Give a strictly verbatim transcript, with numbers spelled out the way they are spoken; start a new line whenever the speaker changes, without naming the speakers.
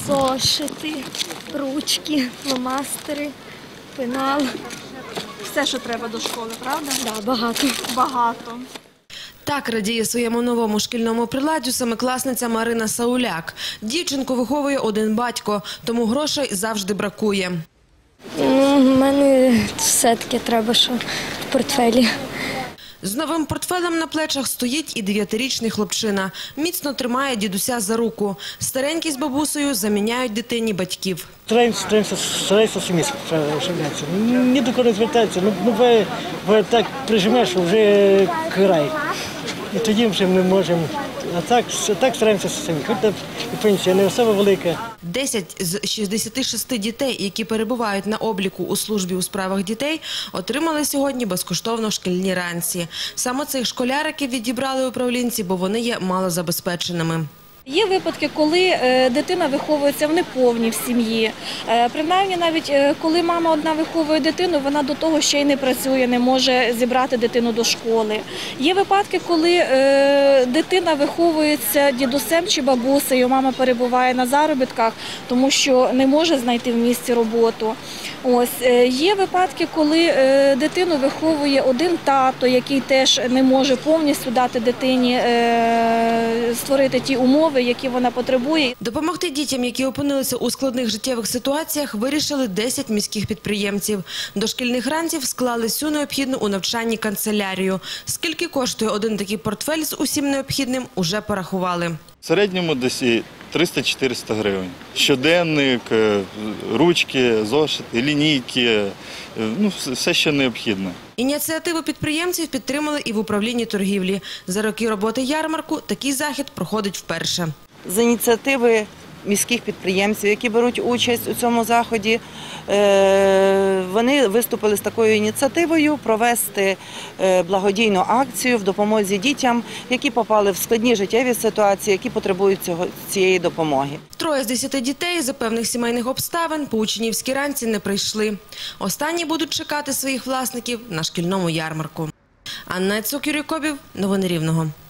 зошити, ручки, фломастери, пенал.
Все, що треба до школи, правда?
Так, да, багато.
Багато.
Так радіє своєму новому шкільному приладдю семикласниця Марина Сауляк. Дівчинку виховує один батько, тому грошей завжди бракує.
Ну, в мене все-таки треба, що в портфелі.
З новим портфелем на плечах стоїть і дев'ятирічний хлопчина. Міцно тримає дідуся за руку. Старенький з бабусею заміняють дитині батьків.
Стараємося, стараємося, стараємося самі справлятися. Ні до кого не звертатися. Ну, буває, буває так прижимеш, що вже край. І тоді вже ми можемо. А так, так стараємося самі. Хоч там і пенсія не особо велика.
Десять з шістдесяти шести дітей, які перебувають на обліку у службі у справах дітей, отримали сьогодні безкоштовно шкільні ранці. Саме цих школяриків відібрали управлінці, бо вони є малозабезпеченими.
Є випадки, коли е, дитина виховується в неповній в сім'ї. Е, принаймні, навіть е, коли мама одна виховує дитину, вона до того ще й не працює, не може зібрати дитину до школи. Є випадки, коли е, дитина виховується дідусем чи бабусею, мама перебуває на заробітках, тому що не може знайти в місті роботу. Ось е, є випадки, коли е, дитину виховує один тато, який теж не може повністю дати дитині е, створити ті умови, які вона потребує.
Допомогти дітям, які опинилися у складних життєвих ситуаціях, вирішили десять міських підприємців. До шкільних ранців склали всю необхідну у навчанні канцелярію. Скільки коштує один такий портфель з усім необхідним, уже порахували.
В середньому десь триста-чотириста гривень. Щоденник, ручки, зошити, лінійки, ну, все, що необхідно.
Ініціативу підприємців підтримали і в управлінні торгівлі. За роки роботи ярмарку такий захід проходить вперше.
З ініціативи міських підприємців, які беруть участь у цьому заході, вони виступили з такою ініціативою провести благодійну акцію в допомозі дітям, які попали в складні життєві ситуації, які потребують цього, цієї допомоги.
Троє з десяти дітей за певних сімейних обставин по учнівській ранці не прийшли. Останні будуть чекати своїх власників на шкільному ярмарку. Анна Цукюрікобів, новини Рівного.